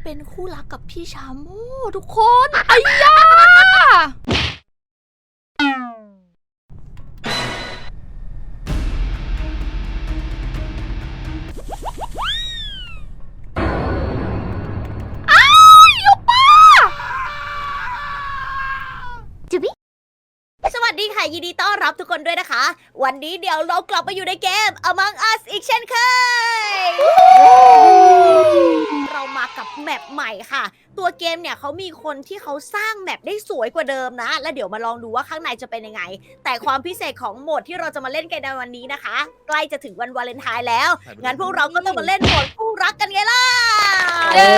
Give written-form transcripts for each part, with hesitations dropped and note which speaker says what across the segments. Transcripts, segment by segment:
Speaker 1: เป็นคู่รักกับพี่ชาโม่ทุกคนไอ้ยา
Speaker 2: สวัสดีค่ะยินดีต้อนรับทุกคนด้วยนะคะ วันนี้เดี๋ยวเรากลับมาอยู่ในเกม Among Us อีกเช่นเคย เรามากับแมปใหม่ค่ะ ตัวเกมเนี่ยเขามีคนที่เขาสร้างแมปได้สวยกว่าเดิมนะ แล้วเดี๋ยวมาลองดูว่าข้างในจะเป็นยังไง แต่ความพิเศษของโหมดที่เราจะมาเล่นกันในวันนี้นะคะ ใกล้จะถึงวันวาเลนไทน์แล้ว งั้นพวกเราก็ต้องมาเล่นโหมดคู่รักกันไงล่ะ
Speaker 1: เย้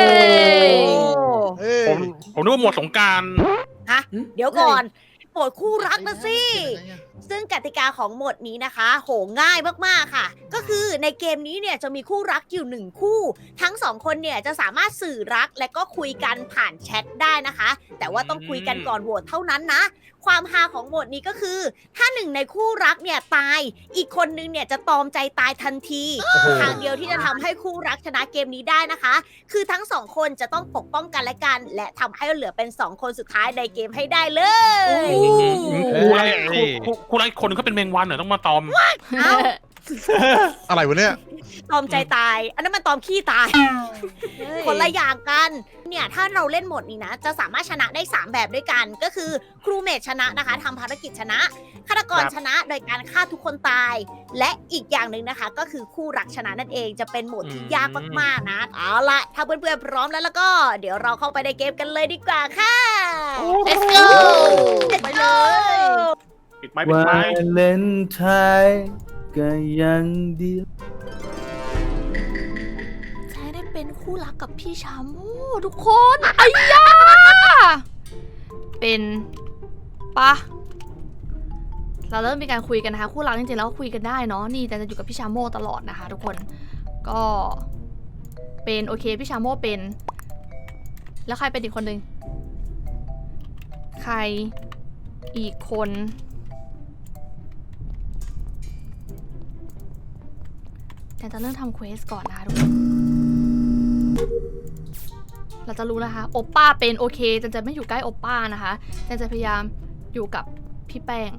Speaker 3: ผมนึกว่าหมดสงกราร
Speaker 2: ฮะเดี๋ยวก่อนโหมดคู่รักนะสิ ซึ่งกติกาของโหมดนี้นะคะ โหง่ายมากๆค่ะ ก็คือในเกมนี้เนี่ยจะมีคู่รักอยู่หนึ่งคู่ ทั้งสองคนเนี่ยจะสามารถสื่อรักและก็คุยกันผ่านแชทได้นะคะ แต่ว่าต้องคุยกันก่อนโหวตเท่านั้นนะ ความฮาของโหมดนี้ก็คือ ถ้าหนึ่งในคู่รักเนี่ยตาย อีกคนนึงเนี่ยจะตอมใจตายทันที ทางเดียวที่จะทำให้คู่รักชนะเกมนี้ได้นะคะ คือทั้งสองคนจะต้องปกป้องกันและกัน และทำให้เหลือเป็นสองคนสุดท้ายในเกมให้ได้เลย
Speaker 3: คู่ไรคนนึงเขาเป็นแมงวันเหรอต้องมาตอม
Speaker 2: เอ้า
Speaker 4: อะไรวะเนี่ย
Speaker 2: ตอมใจตาย อันนั้นมันตอมขี้ตาย คนละอย่างกัน เนี่ยถ้าเราเล่นโหมดนี้นะ จะสามารถชนะได้ 3 แบบด้วยกัน ก็คือครูเมทชนะนะคะทำภารกิจชนะฆาตกร
Speaker 3: ครับ
Speaker 2: ชนะโดยการฆ่าทุกคนตาย และอีกอย่างหนึ่งนะคะ ก็คือคู่รักชนะนั่นเอง จะเป็นโหมดที่ยากมากๆนะ เอาละถ้าเพื่อนๆพร้อมแล้วก็ เดี๋ยวเราเข้าไปในเกมกันเลยดีกว่าค่ะ
Speaker 1: let's go
Speaker 2: ไปเลย
Speaker 3: ปิดไม้ปิด
Speaker 5: วา
Speaker 3: ไม้
Speaker 5: เลนไทน์ก็ยังเดียว
Speaker 1: ใช้ได้เป็นคู่รักกับพี่ชาโม่ทุกคนไอ้ยาเป็นปะเราเริ่มมีการคุยกันนะคะคู่รักจริงๆแล้วคุยกันได้เนาะนี่แต่จะอยู่กับพี่ชาโม่ตลอดนะคะทุกคนก็เป็นโอเคพี่ชาโม่เป็นแล้วใครเป็นอีกคนนึงใครอีกคนแต่จะเริ่มทำเควสก่อนนะคะทุกคนเราจะรู้นะคะโอป้าเป็นโอเคจันจะไม่อยู่ใกล้โอป้านะคะจันจะพยายามอยู่กับพี่แป้ง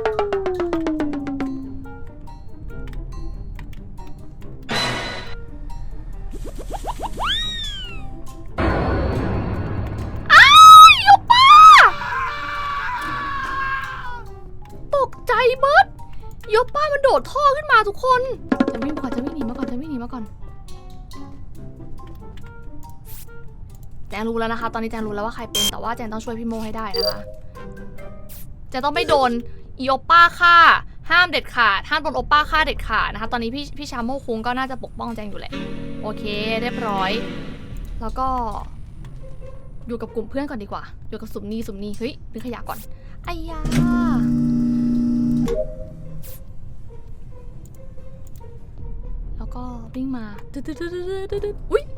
Speaker 1: โอป้าตกใจเบิร์ดโยป้ามันโดดท่อขึ้นมาทุกคนจะวิ่งก่อนจะวิ่งหนีมาก่อนจะวิ่งหนีมาก่อนแจงรู้แล้วนะคะตอนนี้แจงรู้แล้วว่าใครเป็นแต่ว่าแจงต้องช่วยพี่โมให้ได้นะคะแจงต้องไม่โดนอีโอป้าฆ่าห้ามเด็ดขาดห้ามโดนโอป้าฆ่าเด็ดขาดนะคะตอนนี้พี่ชาโมคุงก็น่าจะปกป้องแจงอยู่แหละโอเคเรียบร้อยแล้วก็อยู่กับกลุ่มเพื่อนก่อนดีกว่าอยู่กับสุ่มนี่เฮ้ยดึงขยะก่อนไอ้ยาแล้วก็วิ่งมาอุ้ย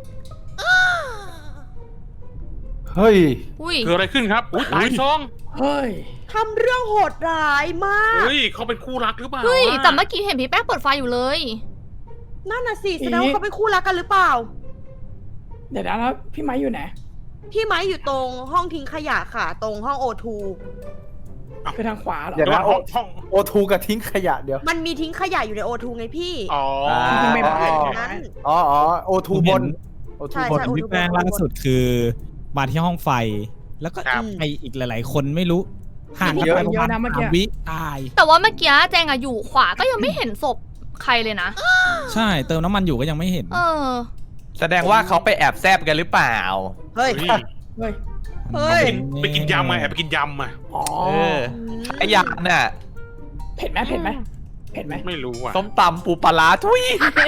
Speaker 5: เฮ้ย
Speaker 1: อุ้ย
Speaker 3: เกิดอะไรขึ้นครับอุ้ยตายซอง
Speaker 5: เฮ้ย
Speaker 2: ทำเรื่องโหดร้ายมาก
Speaker 3: เฮ้ยเขาเป็นคู่รักหรือเปล่า
Speaker 1: เฮ้ย
Speaker 3: อะ
Speaker 1: แต่เมื่อกี้เห็นพี่แป้งเปิดไฟอยู่เลย
Speaker 2: นั่นน่ะสิแสดงว่าเขาเป็นคู่รักกันหรือเปล่า
Speaker 6: เดี๋ยวนะแล้วพี่ไม้อยู่ไหน
Speaker 2: พี่ไม้อยู่ตรงห้องทิ้งขยะค่ะ ตรงห้องโอทู
Speaker 6: คือทางขวาเหรอ
Speaker 5: เดี๋ยว
Speaker 3: เดี๋ยว
Speaker 5: นะ
Speaker 3: ห้อง
Speaker 5: โอทูกับทิ้งขยะเดี๋ยว
Speaker 2: มันมีทิ้งขยะอยู่ในโอทูไงพี่
Speaker 3: อ๋อ
Speaker 6: จริงๆไม่
Speaker 5: อ๋อ
Speaker 2: นั้น
Speaker 5: อ๋อโอทูบนโอทู
Speaker 2: ใช่
Speaker 5: บน
Speaker 2: ใช่
Speaker 7: พี่แป้งล่าสุดคือมาที่ห้องไฟ แล้วก็
Speaker 3: ครับ
Speaker 7: ไปอีกหลาย ๆ คนไม่รู้ห่างกันไปประมาณ3 วิตาย
Speaker 1: แต่ว่าเมื่อกี้แจงอะอยู่ขวาก็ยังไม่เห็นศพใครเลยนะ
Speaker 7: ใช่เติมน้ำมันอยู่ก็ยังไม่เห็น
Speaker 1: เออ
Speaker 8: แสดงว่าเขาไปแอบแซบกันหรือเปล่า
Speaker 2: เฮ้ย
Speaker 3: เฮ้ย
Speaker 6: เฮ้ย
Speaker 2: เฮ้ย
Speaker 3: ไปกินยำมาแอบไปกินยำมา
Speaker 6: อ๋อ
Speaker 8: เออไอ้ยันน่ะ
Speaker 6: เผ็ดไหมเผ็ดไหมเผ็ดไหม
Speaker 3: ไม่รู้อ่ะ
Speaker 8: ส้มตำปูปลาร้าทุย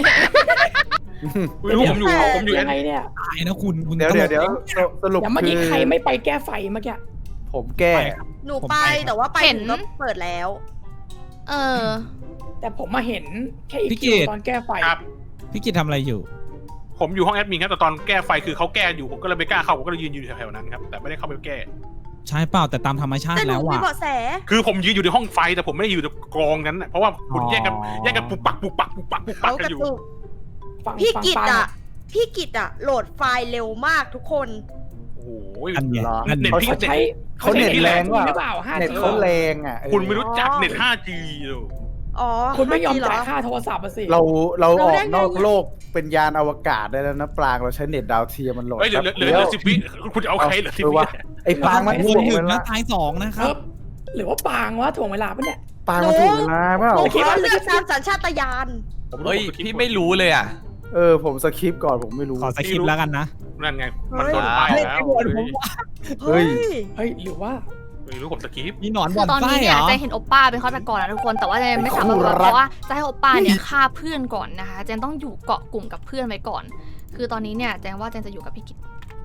Speaker 3: ไม่รู้ผมอยู่
Speaker 6: ยังไงเนี่ย
Speaker 7: ตายนะคุณ
Speaker 5: เดี๋ยว
Speaker 7: ตลก
Speaker 5: เดี๋ยวสรุป
Speaker 6: เดี๋ยวเมื่อกี้
Speaker 5: คือ
Speaker 6: ใครไม่ไปแก้ไฟเมื่อกี้
Speaker 5: ผมแก้
Speaker 2: หนูไปแต่ว่าไป
Speaker 1: เห็น
Speaker 2: ถึงก็เปิดแล้ว
Speaker 1: เออ
Speaker 6: แต่ผมมาเห็นแค่อีกคิวตอนแก้ไฟ
Speaker 3: ครับ
Speaker 7: พี่กิตทำอะไรอยู่
Speaker 3: ผมอยู่ห้องแอดมินครับแต่ตอนแก้ไฟคือเขาแก้อยู่ผมก็เลยไม่กล้าเข้าผมก็เลยยืนอยู่แถวๆนั้นครับแต่ไม่ได้เข้าไปแก้
Speaker 7: ใช่เปล่าแต่ตามธรรมชา
Speaker 2: แต่
Speaker 7: ติ
Speaker 2: หนู
Speaker 7: แล้ว
Speaker 2: มี
Speaker 7: อ่ะ
Speaker 2: เบาะแส
Speaker 3: คือผมยืนอยู่ในห้องไฟแต่ผมไม่ได้อยู่ในกองนั้นน่ะเพราะว่าคุณแยกกันปุกปักกัน
Speaker 2: เขา
Speaker 3: อก
Speaker 2: ระ
Speaker 3: ยู่
Speaker 2: ตุก
Speaker 6: ฟัง
Speaker 2: พี่
Speaker 6: ฟัง
Speaker 2: กิต
Speaker 6: ป้า
Speaker 2: อ่ะพี่กิตอะโหลดไฟล์เร็วมากทุกคน
Speaker 3: โอ้โห
Speaker 7: อันเนี้ย
Speaker 5: เหรอ
Speaker 7: อัน
Speaker 3: เน็
Speaker 7: เนี้
Speaker 3: ต
Speaker 7: ย
Speaker 3: พี่
Speaker 6: เขาใช้
Speaker 5: เขาเน็ตแรงว่ะ
Speaker 6: หรือเปล่า5G
Speaker 5: เน็ตเขาแรงอ่ะ
Speaker 3: คุณไม่รู้จักเน็ต 5G เลย
Speaker 2: อ๋อ
Speaker 6: คุณไม่ยอม
Speaker 2: 5G เหร
Speaker 6: จ่ายค่าโทรศัพท์อะสิ
Speaker 5: เราอ
Speaker 2: เรา
Speaker 5: อก
Speaker 2: ได้ไง
Speaker 5: นอกโลกเป็นยานอวกาศได้แล้วนะปรางเราใช้เน็ตดาวเทียมมันโหลด
Speaker 3: เฮ้ยเหลือ
Speaker 5: แป๊บ
Speaker 3: เหลือ
Speaker 5: ดียว
Speaker 3: 10 วิคุณจะเอาใครเหลือ10
Speaker 5: เออ
Speaker 3: วิ
Speaker 5: วะไอ้ปรางมัน
Speaker 7: คุ
Speaker 5: ถ่
Speaker 7: ณ
Speaker 5: วง
Speaker 7: ถึง
Speaker 5: เว
Speaker 7: แล้
Speaker 5: ลาว
Speaker 7: ตาย2นะค
Speaker 6: เอ
Speaker 7: รับ
Speaker 6: อหรือว่าปางวะถ่วงเวลาปะเนี่ย
Speaker 5: ปรางมันถ่วงเวลาเปล่า
Speaker 2: หนูขอเลือกตามสัญชาตญาณ
Speaker 8: เฮ้ยพี่ไม่รู้เลยอ่ะ
Speaker 5: ผมสคริปต์ก่อนผมไม่รู้
Speaker 7: ขอสคริปต์แล้วกันนะ
Speaker 3: นั่นไงมันโดนไปแล้ว
Speaker 5: เฮ้ย
Speaker 6: เฮ้ยหรือว่า
Speaker 3: ไม่รู้ผมสกิป
Speaker 7: มีหนอน
Speaker 1: คื
Speaker 7: บ่
Speaker 1: อ
Speaker 7: อน
Speaker 1: ตอน
Speaker 7: ไส้
Speaker 1: นี้
Speaker 7: เห
Speaker 1: เนี่
Speaker 7: ร
Speaker 1: ย
Speaker 7: อ
Speaker 1: แจงเห็นโอป้าเป็นฆาตกรนะทุกคนแต่ว่าแจงไม่สามารถรู้เพราะว่าจะให้โอป้าเนี่ยฆ่าเพื่อนก่อนนะคะแจงต้องอยู่เกาะกลุ่มกับเพื่อนไว้ก่อน คือตอนนี้เนี่ยแจงว่าแจงจะอยู่กับพี่กิต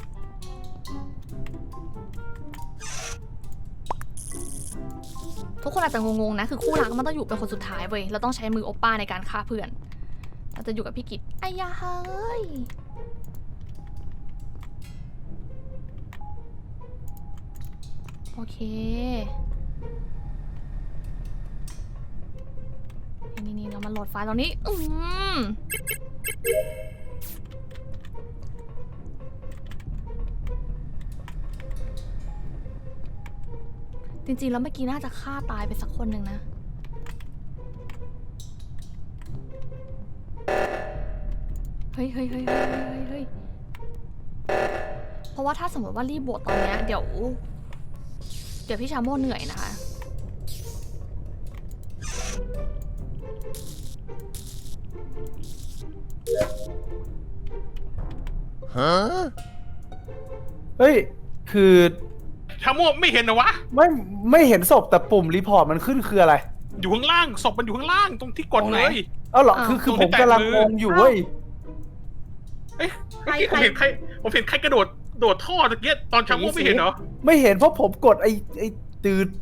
Speaker 1: ทุกคนอาจจะงงๆนะคือคู่รักมันต้องอยู่เป็นคนสุดท้ายเว้ยเราต้องใช้มือโอป้าในการฆ่าเพื่อนเราจะอยู่กับพี่กิตไอ้ยาเฮ้ยโอเคนี่เรามาโหลดไฟล์ตรงนี้จริงๆแล้วเมื่อกี้น่าจะฆ่าตายไปสักคนหนึ่งนะเฮ้ยเพราะว่าถ้าสมมติว่ารีบโหวตตอนเนี้ยเดี๋ยวพี่ชาโม่เหนื่อยนะคะ
Speaker 5: เฮ้ยคือ
Speaker 3: ชาโม่ไม่เห็นนะวะ
Speaker 5: ไม่เห็นศพแต่ปุ่มรีพอร์ตมันขึ้นคืออะไร
Speaker 3: อยู่ข้างล่างศพมันอยู่ข้างล่างตรงที่กดเลย
Speaker 5: เอ้าเหรอคือผมกำลังงงอยู่เว้ย
Speaker 3: เมื่อกี้ผมเห็นใครกระโดดท่อตะเกียตอนชาโม่ไม่เห็นเหรอ
Speaker 5: ไม่เห็นเพราะผมกดไอ้ตืด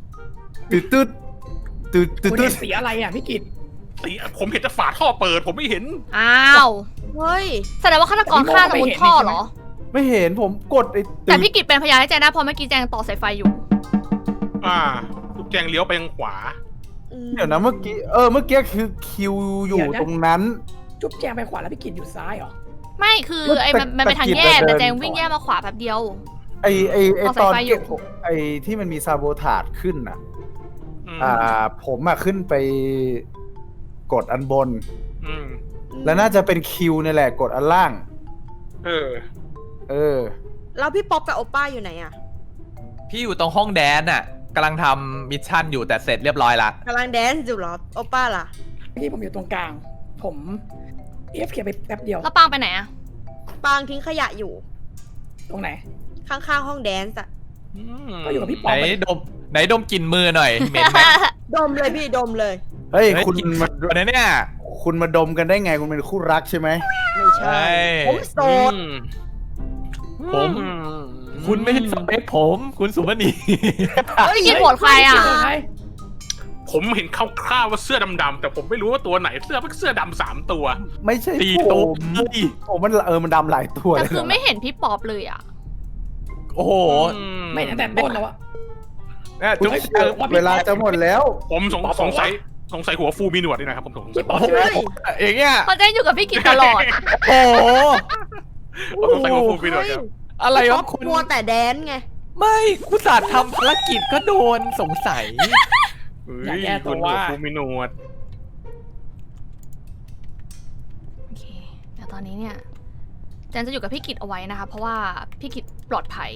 Speaker 6: คุณเห็นสีอะไรอ่ะพี่กิต
Speaker 3: สีผมเห็นแต่ฝาท่อเปิดผมไม่เห็น
Speaker 1: อ้าว
Speaker 2: เฮ้ย
Speaker 1: แสดงว่าฆาตกรฆ่าสมุนท่อเหรอ
Speaker 5: ไม่เห็นผมกดไอ้
Speaker 1: แต่พี่กิตเป็นพยานให้แจงได้เพราะเมื่อกี้แจงต่อสายไฟอยู่
Speaker 3: ลูกแจงเลี้ยวไปทางขวา
Speaker 5: เดี๋ยวนะเมื่อกี้คือคิวอยู่ตรงนั้น
Speaker 6: จุ๊บแจงไปขวาแล้วพี่กิตอยู่ซ้ายเหรอ
Speaker 1: ไม่คือไอ้มันเป็นทางแยกแต่แจงวิ่งแยกมาขวาแป๊บเดียว
Speaker 5: ไอ้
Speaker 1: เอา
Speaker 5: ตอน
Speaker 1: สายไฟอยู่
Speaker 5: เก็บไอ้ที่มันมีซาโบทาดขึ้นน่ะ
Speaker 3: อืม
Speaker 5: ผมขึ้นไปกดอันบน
Speaker 3: อืม
Speaker 5: แล้วน่าจะเป็นคิวนี่แหละกดอันล่าง
Speaker 3: เออ
Speaker 2: แล้วพี่ป๊อปกับโอป้าอยู่ไหนอะ
Speaker 8: พี่อยู่ตรงห้องแดนน่ะกำลังทำมิชชั่นอยู่แต่เสร็จเรียบร้อยละ
Speaker 2: กำลังแดนซ์อยู่เหรอโอป้าล่ะ
Speaker 6: พี่ผมอยู่ตรงกลาง ผมเอฟเคไปแป๊บเดียว
Speaker 1: แล้วปางไปไหนอะ
Speaker 2: ปางทิ้งขยะอยู่
Speaker 6: ตรงไหน
Speaker 2: ข้างๆห้องแดนซ์อะ
Speaker 6: ก็อยู่กับพี่
Speaker 8: ไห
Speaker 6: ป๊อป
Speaker 8: นดมกลิ่นมือหน่อยเหม็นไหม
Speaker 2: ดมเลยพี่ดมเลย
Speaker 5: เฮ้ย
Speaker 8: เฮ้ย
Speaker 5: คุณ
Speaker 8: กลิ่น
Speaker 5: มา
Speaker 8: มือเนี่ย
Speaker 5: คุณมาดมกันได้ไงคุณเป็นคู่รักใช่ไหม
Speaker 2: ไม่ใช่ ผมโสด
Speaker 8: คุณไม่ใช่สเปคผม คุณสุวรรณี
Speaker 1: พี่กิตโหวตใครอะ
Speaker 3: ผมเห็นคร่าวๆว่าเสื้อดำๆแต่ผมไม่รู้ว่าตัวไหนเสื้อดำ3 ตัว
Speaker 5: ไม่ใช่
Speaker 8: ตี
Speaker 5: ผ
Speaker 8: ตัว
Speaker 5: มผมมันดำหลายตัว
Speaker 1: แต่
Speaker 5: เลย
Speaker 1: คือไม่เห็นพี่ป๊อปเลยอะ
Speaker 8: โอ้โห
Speaker 6: ไม่ตั้งแต่ต้นแล้วอะ
Speaker 8: เนี่ยจุ๊บ
Speaker 5: เวลาจะหมดแล้ว
Speaker 3: ผมสงสัยหัวฟูมีหนวดด้วยนะครับผมสงสั
Speaker 6: พี่
Speaker 3: ย
Speaker 6: ป๊อป
Speaker 2: เฮ้ย
Speaker 8: อย่างเงี้ย
Speaker 1: เพราะแจงอยู่กับพี่กิตตลอด
Speaker 8: โอ้โห
Speaker 3: ผมสงสัยหัวฟูมีหนวดครับ
Speaker 8: อะไร
Speaker 2: พี่ป๊
Speaker 8: วะ
Speaker 2: อป
Speaker 8: คุณ
Speaker 2: มัวแต่แดนซ์ไง
Speaker 8: ไม่คุณศาสตร์ทำภารกิจก็โดนสงสัย
Speaker 6: อย่าแก้ตัว
Speaker 3: หัวฟูมีหนวด
Speaker 1: โอเคเดี๋ยวตอนนี้เนี่ยแจนจะอยู่กับพี่กิตเอาไว้นะคะเพราะว่าพี่กิตปลอดภัย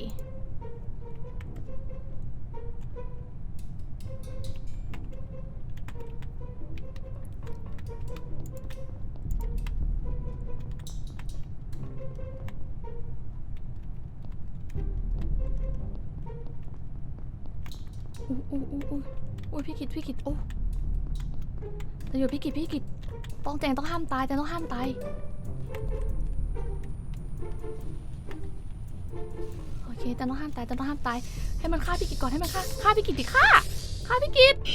Speaker 1: อุ้ยพี่กิตโอ้จะอยู่พี่กิตแจงต้องห้ามตายแจงต้องห้ามตายโอเคแจงต้องห้ามตายให้มันฆ่าพี่กิตก่อนให้มันฆ่าพี่กิตดิฆ่าพี่กิต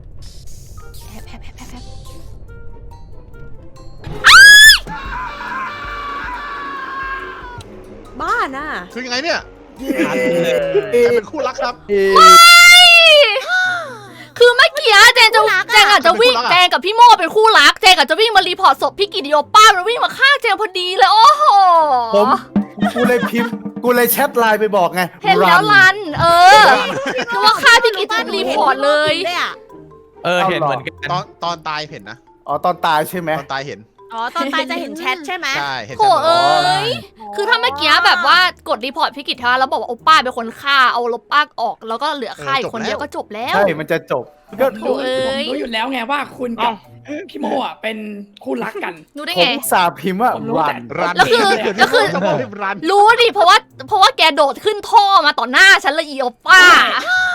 Speaker 1: แอบ
Speaker 2: น่ะ
Speaker 4: คือยังไงเนี่ย
Speaker 5: เอ๊
Speaker 4: ใคร
Speaker 5: ะ
Speaker 4: เป็นคู่รักครับ
Speaker 5: เอ๊ะ
Speaker 1: คือเมื่อกี้แจงอาจจะวิ่ง
Speaker 4: เป็นคู่รักอะ
Speaker 1: แจงกับพี่โมเป็นคู่รักแจงอาจจะวิ่งมารีพอร์ตศพพี่กิติโอป้ามันวิ่งมาฆ่าแจงพอดีเลยโอ้โห
Speaker 5: กูเลยพิมพ์กูเลยแชทไลน์ไปบอกไง
Speaker 1: เห็นแล้ว
Speaker 5: รั
Speaker 1: รันนึกว่าฆ่าพี่กิติรีพอร์ตเลย
Speaker 2: เลยอะ
Speaker 8: เห็นเหมือนกัน
Speaker 4: ตอนตายเห็นนะ
Speaker 5: อ๋อตอนตายใช่ไหม
Speaker 4: ตอนตายเห็น
Speaker 2: อ๋อตอนตายจะเห็นแชทใช่ไหม
Speaker 4: ใช่เห็น
Speaker 1: โถเอ้ย
Speaker 2: อ๋อ
Speaker 1: คือถ้าเมื่อกี้แบบว่ากดรีพอร์ตพี่กิตทแล้วบอกว่าโอป้าเป็นคนฆ่าเอาลบป้าออก แล้วก็เหลือฆ่าอีกคนเดียวก็จบแล้ว
Speaker 5: ใช่มันจะจบก็
Speaker 1: โถ่เอ้ย
Speaker 6: ผมรู้อยู่แล้วไงว่าคุณกับพี่โมอ่ะเป็นคู่รักกัน
Speaker 1: รู้ได้
Speaker 5: ผม
Speaker 1: ไง
Speaker 5: สาห์พิมพ์ว่า
Speaker 6: ผมรู้
Speaker 5: รั
Speaker 6: แต่
Speaker 5: น
Speaker 4: รัน
Speaker 1: แล้วคือ
Speaker 4: จะบอกให้รัน
Speaker 1: รู้ดิเพราะว่าแกโดดขึ้นท่อมาต่อหน้าฉันเลยอีโอป้า